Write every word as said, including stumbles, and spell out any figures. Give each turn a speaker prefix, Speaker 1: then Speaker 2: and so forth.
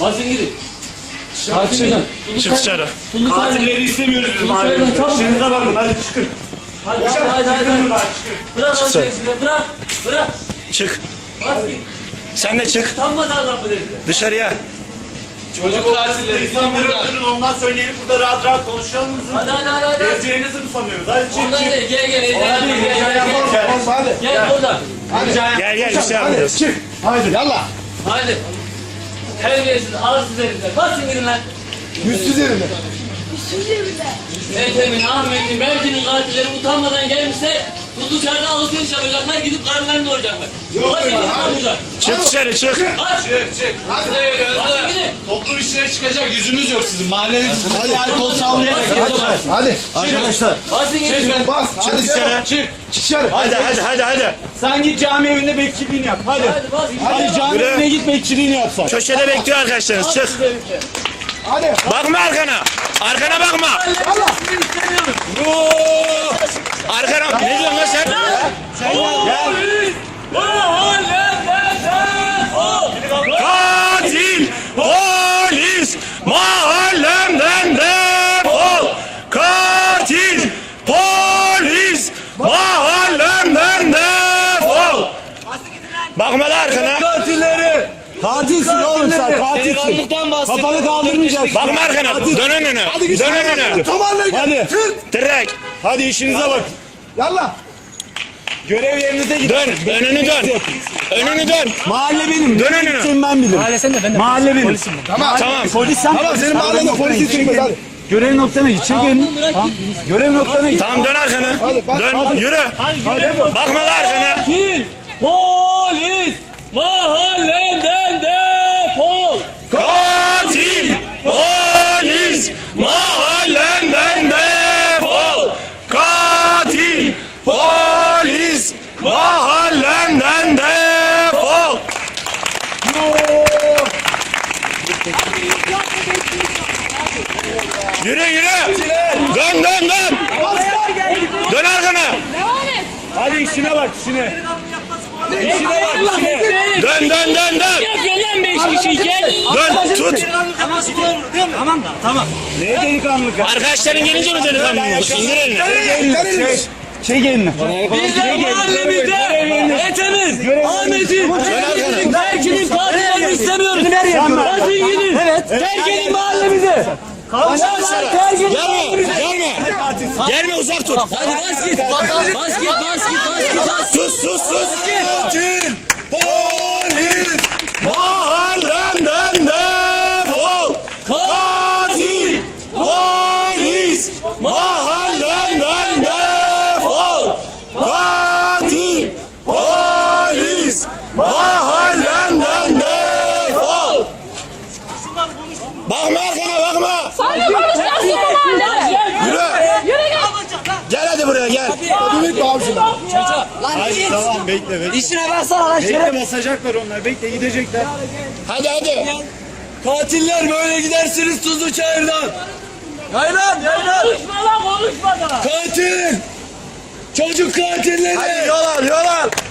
Speaker 1: Basın gidin.
Speaker 2: Hadi çıkın. Çık dışarı.
Speaker 3: Katilleri istemiyoruz biz mahallede. İşinize bakın hadi çıkın.
Speaker 1: Hadi hadi hadi. Bırak o şeyi bırak. Bırak.
Speaker 2: Çık.
Speaker 1: Bas git.
Speaker 2: Sen de çık.
Speaker 1: Utanmadan laf edin.
Speaker 2: Dışarıya.
Speaker 3: Çocuk katilleri insanları öldürün ondan söyleyelim burada rahat rahat konuşalım mı?
Speaker 1: Hadi hadi hadi. hadi.
Speaker 3: Gezeceğinizi mi sanıyoruz? Hadi çık
Speaker 1: Ondan
Speaker 3: çık.
Speaker 1: değil. Gel gel. Gel
Speaker 3: Hadi
Speaker 1: gel.
Speaker 3: gel
Speaker 1: Gel
Speaker 3: yapalım
Speaker 1: gel.
Speaker 3: yapalım hadi.
Speaker 1: Gel buradan.
Speaker 2: Gel gel bir şey
Speaker 3: Hadi
Speaker 2: yapacağız.
Speaker 3: çık. Haydi yallah.
Speaker 1: Hadi. Terbiyesiz, arsız herifler. Basın gidin lan.
Speaker 3: Yüzsüz yerine.
Speaker 1: Ethem'in, Ahmet'in, Berkin'in katilleri utanmadan gelmişse bu dışarıda alışveriş yapacaklar, gidip karnlarını doyuracaklar. Basın gidin lan buradan.
Speaker 2: Çık dışarı çık.
Speaker 1: Aç.
Speaker 3: Çık çık.
Speaker 1: Basın gidin.
Speaker 3: Toplum işine çıkacak yüzünüz yok sizin. Mahalleniz hadi alkol sallayarak.
Speaker 4: Hadi arkadaşlar.
Speaker 1: Basın gidin.
Speaker 4: Bas.
Speaker 2: Çık dışarı.
Speaker 3: Çık.
Speaker 4: Dışarı.
Speaker 2: Hadi hadi hadi hadi.
Speaker 3: Sen git cami evinde bekçiliğini yap. Hadi.
Speaker 1: Hadi basın gidin.
Speaker 3: Hadi cami
Speaker 2: Yürü.
Speaker 3: evine git bekçiliğini yap sen.
Speaker 2: Köşede bekliyor arkadaşlarınız. Çık.
Speaker 4: Hadi.
Speaker 2: Bakma arkana. Arkana bakma.
Speaker 1: Sizi istemiyorum.
Speaker 2: Oo! Arkana. Ne diyorsun lan sen?
Speaker 1: Polis! Mahallemden defol!
Speaker 2: Katil polis mahallemden defol. Katil polis mahallemden defol. Bakma da arkana.
Speaker 3: Katilleri. Katilsin oğlum sen katilsin.
Speaker 1: Delikanlıktan bahsediyorum.
Speaker 3: Kafanı kaldırmayacaksın.
Speaker 2: Bakma arkana. Dön önüne. Dön önüne.
Speaker 4: Tomarla
Speaker 3: Hadi.
Speaker 2: Direkt.
Speaker 3: Hadi işinize bak.
Speaker 4: Yallah.
Speaker 3: Görev yerinize gidin.
Speaker 2: Dön. Önünü dön. Önünü dön.
Speaker 3: Mahalle benim.
Speaker 2: Dön
Speaker 3: Ne
Speaker 2: önüne.
Speaker 3: gideceğim ben bilirim. Mahalle sen de ben de. Mahalle benim.
Speaker 4: Tamam.
Speaker 2: Tamam.
Speaker 3: Polis sen.
Speaker 4: Tamam senin mahallende polisi çıkmaz hadi.
Speaker 3: Görev noktana git. Çek elini. Tamam. Görev noktana git.
Speaker 2: Tamam dön arkana.
Speaker 4: Hadi, bak,
Speaker 2: Dön. Yürü. Bakma da arkana.
Speaker 1: Katil! Polis! Mahallemden defol!
Speaker 2: Katil polis mahallemden defol. Katil polis mahallemden defol. Yürü yürü. Dön dön dön. Dön arkana.
Speaker 3: Hadi işine bak işine. İşine bak işine.
Speaker 2: Dön dön dön dön.
Speaker 1: Yapıyor lan beş kişi gel!
Speaker 2: Dön tut.
Speaker 1: Tamam da tamam.
Speaker 3: Neye delikanlılık?
Speaker 2: Arkadaşların gelince mi delikanlı olmuş? İndir elini.
Speaker 3: Çek. Çek elini.
Speaker 1: Bizler mahallemizde Ethem'in, Ahmet'in, Berkin'in, Berkin'in katillerini istemiyoruz. Basın gidin. Evet. Terk edin mahallemizi. Kavşaklar terk edin
Speaker 2: Gelme,
Speaker 1: mahallemizi.
Speaker 2: gelme. Gelme uzak tut.
Speaker 1: Hadi bas git. Bas git, bas git, bas git, bas.
Speaker 2: Sus sus sus. Katil polis mahallemden defol. Katil polis mahallemden defol. Katil polis mahallemden defol. Bakma arkana bakma.
Speaker 5: Sana konuşacaksın mahalle.
Speaker 2: Yürü.
Speaker 5: Yürü gel.
Speaker 2: Gel hadi buraya gel.
Speaker 4: Ümit abicim.
Speaker 3: Hadi tamam bekle bekle.
Speaker 1: İşine baksana lan
Speaker 3: Bekle basacaklar onlar. Bekle gidecekler.
Speaker 2: Hadi hadi.
Speaker 1: Katiller böyle gidersiniz Tuzlu Çayır'dan. Yaylan yaylan. Konuşma lan konuşma da.
Speaker 3: Katil! Çocuk katilleri!
Speaker 2: Hadi yol al yol al.